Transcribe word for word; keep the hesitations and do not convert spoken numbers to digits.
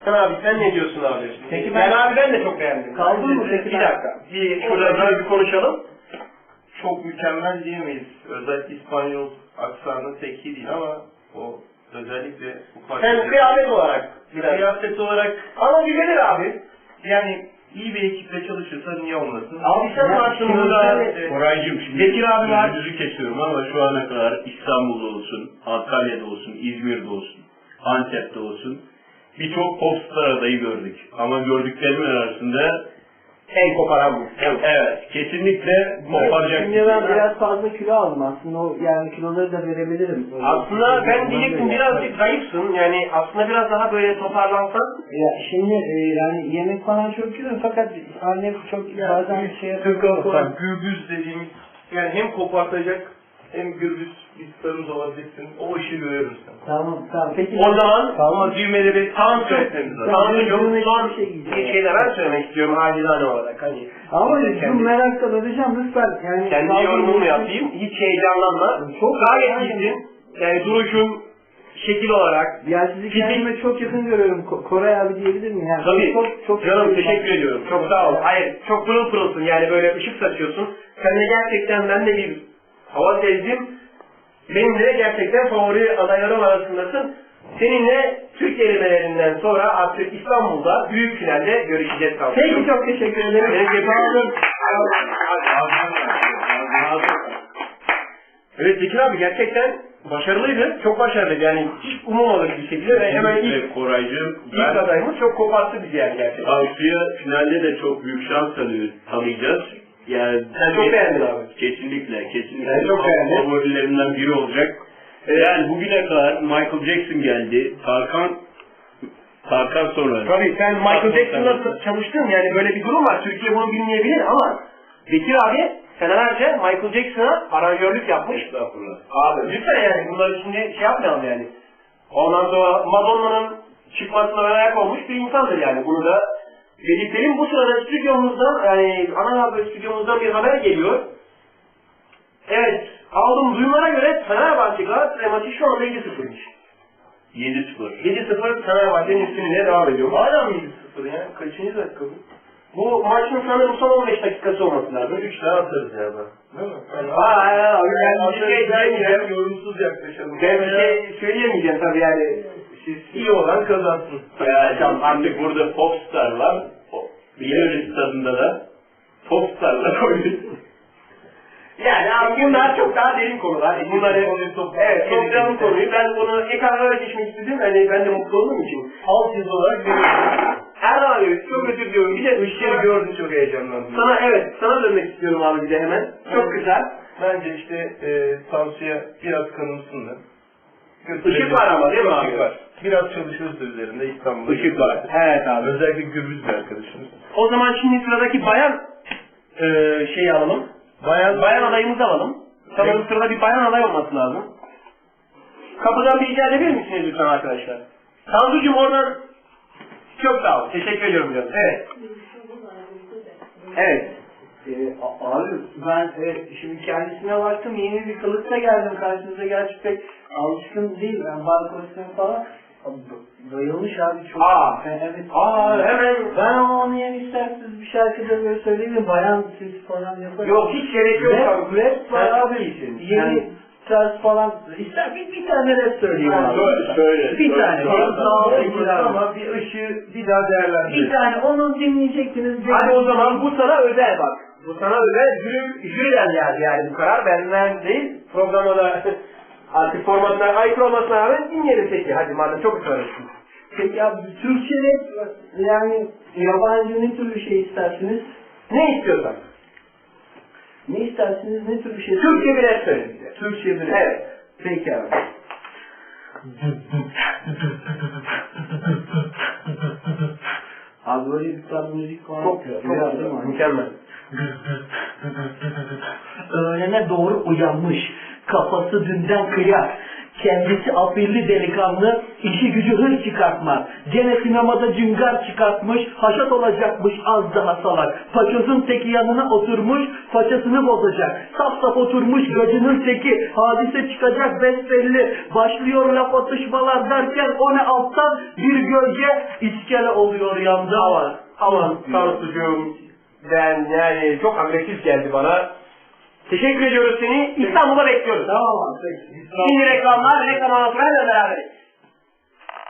Abi sen ne diyorsun abi? Peki ben, ben abi ben de çok beğendim. Kaldın mı peki? Bir dakika. Bir şurada bir konuşalım. Çok mükemmel diyemeyiz. Özellikle İspanyol aksanı tek iyi değil ama o özellikle bu parçada... Sen kıyafet olarak. Kıyafet olarak Ama güzelir abi. yani iyi bir ekiple çalışırsa niye olmasın? Abi sen Ya, varsın şimdi burada. sen- Koraycığım şimdi Bekir abi var. sözünüzü kesiyorum ama şu ana kadar İstanbul'da olsun, Antalya'da olsun, İzmir'de olsun, Antep'te olsun birçok popstar adayı gördük. Ama gördüklerimin arasında En koparan bu. evet kesinlikle koparacak. Şimdi ben biraz fazla kilo aldım aslında, o yani kiloları da verebilirim. Öyle Aslında ben Ondan diyecektim böyle. birazcık zayıfsın. Yani aslında biraz daha böyle toparlansan. Ya şimdi e, yani yemek falan çok güzel fakat annem çok bazen şey yapıyor. Türk olarak gürbüz dediğimiz yani hem kopartacak hem gürbüz bir starımız olabilirsin. O işi görüyoruz sen. Tamam tamam peki. O zaman Ama düğmeleri tam Tansu, söyletmemiz lazım. Tansu'cum Düğme son bir şey giyeceğim. bir şeyler ben söylemek istiyorum acizane olarak. Hani Ama kendi- bu merakla öleceğim lütfen. Yani kendi sağ olun, yorumumu lütfen. yapayım. Hiç heyecanlanma. Çok Gayet aynen. iyisin. Yani duruşun, şekil olarak. Ya sizi Fizik- kendime çok yakın görüyorum. Ko- Koray abi diyebilir miyim? Yani Tabii. Çok, çok Canım çok- teşekkür ediyorum. Çok sağ ol. Hayır, çok pırıl pırılsın. Yani böyle ışık saçıyorsun. Sen de gerçekten ben de bir hava sezdim. Benim de gerçekten favori adaylarım arasındasın. Seninle Türk elemelerinden sonra artık İstanbul'da büyük finalde görüşeceğiz. Peki çok teşekkür ederim. Peki, sağ olun. Evet Bekir abi gerçekten başarılıydı. Çok başarılıydı. Yani hiç umulmadık bir şekilde ve hemen ilk, Kesinlikle Koraycığım ilk ben adayımız çok koparttı bizi yani gerçekten. Tansu'ya finalde de çok büyük şans tanıyor, tanıyacağız. Yani Sen çok beğendin abi. Kesinlikle, kesinlikle. Ben çok beğendim. Favorilerimden biri olacak. Yani bugüne kadar Michael Jackson geldi, Tarkan Tarkan sonra. Tabii sen Michael Jackson'la çalıştın yani böyle bir durum var. Türkiye bunu bilmeyebilir ama Bekir abi senelerce Michael Jackson'a aranjörlük yapmış. Estağfurullah. Abi lütfen yani bunları şimdi şey yapmayalım yani. Ondan sonra Madonna'nın çıkmasına ön ayak olmuş bir insandır yani. Bunu da belirtelim. Bu sırada stüdyomuzdan yani ana haber stüdyomuzdan bir haber geliyor. Evet aldığım duyumlara göre Fenerbahçe Galatasaray maçı şu anda yedi sıfırmış. yedi sıfır. yedi sıfır Fenerbahçe'nin üstünlüğüne devam ediyor. Hala mı yedi sıfır ya? Kaçıncı dakika bu? Bu maçın sanırım son on beş dakikası olması lazım. üç daha atarız ya da. Değil mi? Yani Aa, ya, abi, ben bir şey atarız, diyemeyeceğim. yorumsuz yaklaşalım. Ben bir şey söyleyemeyeceğim tabii yani. Siz iyi olan kazansın. Yani artık burada popstarlar, Biliyoruz stadında da popstarlar oynuyor. Yani abi bunlar çok daha derin konular. Bunları, evet, toplayalım konuyu. Ben bunu ekrana geçmek istedim. Hani ben de mutlu olduğum için. Alt yazı olarak görüyoruz. Erdoğan abi çok özür diliyorum. Bir de Işığı gördüm, çok heyecanlandım. sana evet sana dönmek istiyorum abi bir de hemen. Çok güzel. Bence işte e, Tansu'ya biraz kanımsınlar. Işık var ama değil mi abi? Işık var. Biraz çalışırız da üzerinde İstanbul'da. Işık var. Evet abi. Özellikle gürbüz bir arkadaşımız. O zaman şimdi sıradaki bayan e, şeyi alalım. Bayan, Bayan adayımızı alalım. Sanırım Evet. sırada bir bayan aday olması lazım. Kapıdan bir rica edebilir misiniz lütfen arkadaşlar? Tansu'cum oradan çok sağ ol. Teşekkür ediyorum canım. Evet. Evet. Ee, a- abi ben evet, şimdi kendisine baktım, yeni bir kılıkta geldim karşınıza, gerçi pek alışkın değil ben bar kostümü falan. Abi, bayılmış abi çok. Aa. Ben, evet. Aa hemen. Ben ama onu yani isterseniz bir şarkıda böyle söyleyeyim mi? Bayan siz falan yaparım. Yok hiç gerek yok. Rap, abi. rap var Sen çok abi. iyisin. Yeni Yani- tarz falan. İster bir, bir tane rap söyleyeyim Ha, abi. söyle, söyle, Bir söyle. tane. Söyle. Söyle. ama bir ışığı bir daha değerlendirelim. Bir tane onu dinleyecektiniz. Hadi o zaman bu sana özel bak. Bu sana özel jüri, jüriden geldi yani bu karar benden değil. Programda da artık formatlar aykırı olmasına rağmen dinleyelim peki. Hadi madem çok ısrarlısın. Peki abi Türkçe rap yani yabancı ne tür bir şey istersiniz? Ne istiyorsan. Ne istersiniz, ne tür bir şey? Türkçe bir rap söyle bize. Türkçe bir rap. Evet. Peki abi. Abi böyle bir tarz müzik falan Çok yapıyor. çok Biraz güzel. değil mi? Mükemmel. Öğlene doğru uyanmış, kafası dünden kıyar. Kendisi afilli delikanlı, işi gücü hır çıkartmak. Gene sinemada cıngar çıkartmış, haşat olacakmış az daha salak. Paçozun teki yanına oturmuş, paçasını bozacak. Saf saf oturmuş gacının teki, hadise çıkacak besbelli. Başlıyor laf atışmalar derken o ne alttan bir gölge iskele oluyor yanda. Aman, aman Tansucuğum, ben yani çok agresif geldi bana. Teşekkür ediyoruz seni. İstanbul'a bekliyoruz. Tamam abi. Şimdi reklamlar, reklam anlatmaya beraberiz.